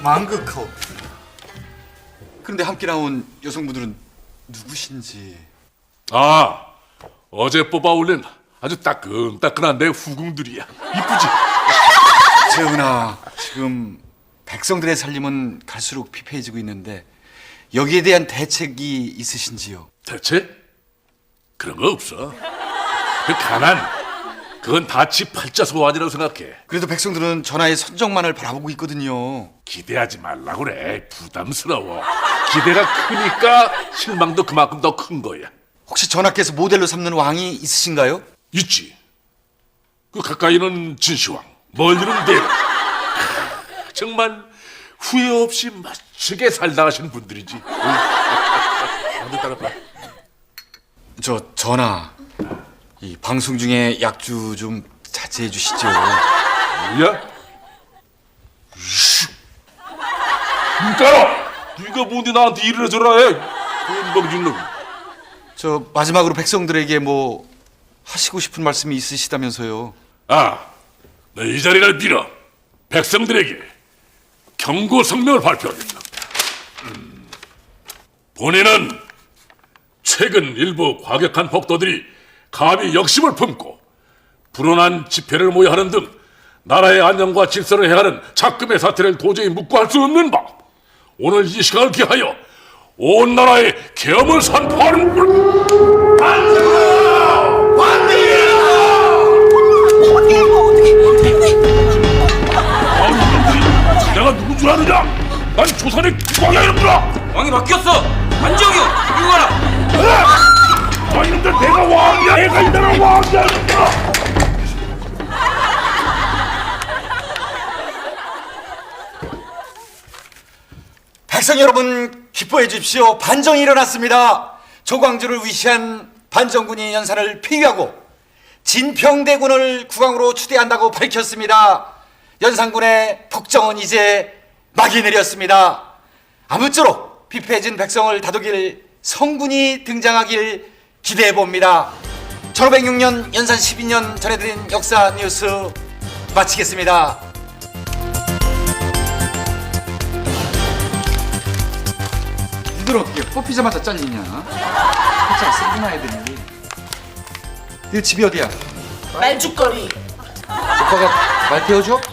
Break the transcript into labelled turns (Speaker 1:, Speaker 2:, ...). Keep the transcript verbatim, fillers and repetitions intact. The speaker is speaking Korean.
Speaker 1: 망극하오. 그런데 함께 나온 여성분들은 누구신지?
Speaker 2: 아, 어제 뽑아 올린 아주 따끈따끈한 내 후궁들이야. 이쁘지?
Speaker 1: 재훈아, 지금 백성들의 살림은 갈수록 피폐해지고 있는데 여기에 대한 대책이 있으신지요?
Speaker 2: 대체? 그런 거 없어. 그 가난, 그건 다치 팔자 소환이라고 생각해.
Speaker 1: 그래도 백성들은 전하의 선정만을 바라보고 있거든요.
Speaker 2: 기대하지 말라고 그래. 부담스러워. 기대가 크니까 실망도 그만큼 더 큰 거야.
Speaker 1: 혹시 전하께서 모델로 삼는 왕이 있으신가요?
Speaker 2: 있지. 그 가까이는 진시황, 멀리는 대로. 정말 후회 없이 멋지게 살다 가신 분들이지. 응? 따라봐.
Speaker 1: 저 전하, 이 방송 중에 약주 좀 자제해 주시죠.
Speaker 2: 뭐야? 이씨. 눈 깔아! 네가 뭔데 나한테 이래라 저래라 해? 건방진 놈.
Speaker 1: 저 마지막으로 백성들에게 뭐 하시고 싶은 말씀이 있으시다면서요?
Speaker 2: 아, 내 이 자리를 빌어 백성들에게 경고 성명을 발표하겠다. 음, 본인은 최근 일부 과격한 폭도들이 감히 역심을 품고 불온한 집회를 모여 하는 등 나라의 안녕과 질서를 해하는 작금의 사태를 도저히 묵고할 수 없는 바, 오늘 이 시간을 기하여 온 나라에 계엄을 선포하는 것. 반성! 반대야! 내가 누군 줄 아느냐? 난 조선의 국왕이야 이놈들아!
Speaker 3: 왕이 바뀌었어! 안정이 형! 이거 봐라!
Speaker 2: 아 이놈들 내가 왕이야! 내가 이 나라 왕이야 이놈들아!
Speaker 1: 백성 여러분 기뻐해 주십시오. 반정이 일어났습니다. 조광조를 위시한 반정군이 연산을 폐위하고 진평대군을 국왕으로 추대한다고 밝혔습니다. 연산군의 폭정은 이제 막이 내렸습니다. 아무쪼록 피폐해진 백성을 다독일 성군이 등장하길 기대해 봅니다. 천오백육 년 연산 십이 년 전해드린 역사 뉴스 마치겠습니다. 니들 어떻게 뽑히자마자 잘리냐? 살짝 쓰구나 애들이. 너 집이 어디야?
Speaker 4: 말죽거리.
Speaker 1: 오빠가 말 태워줘?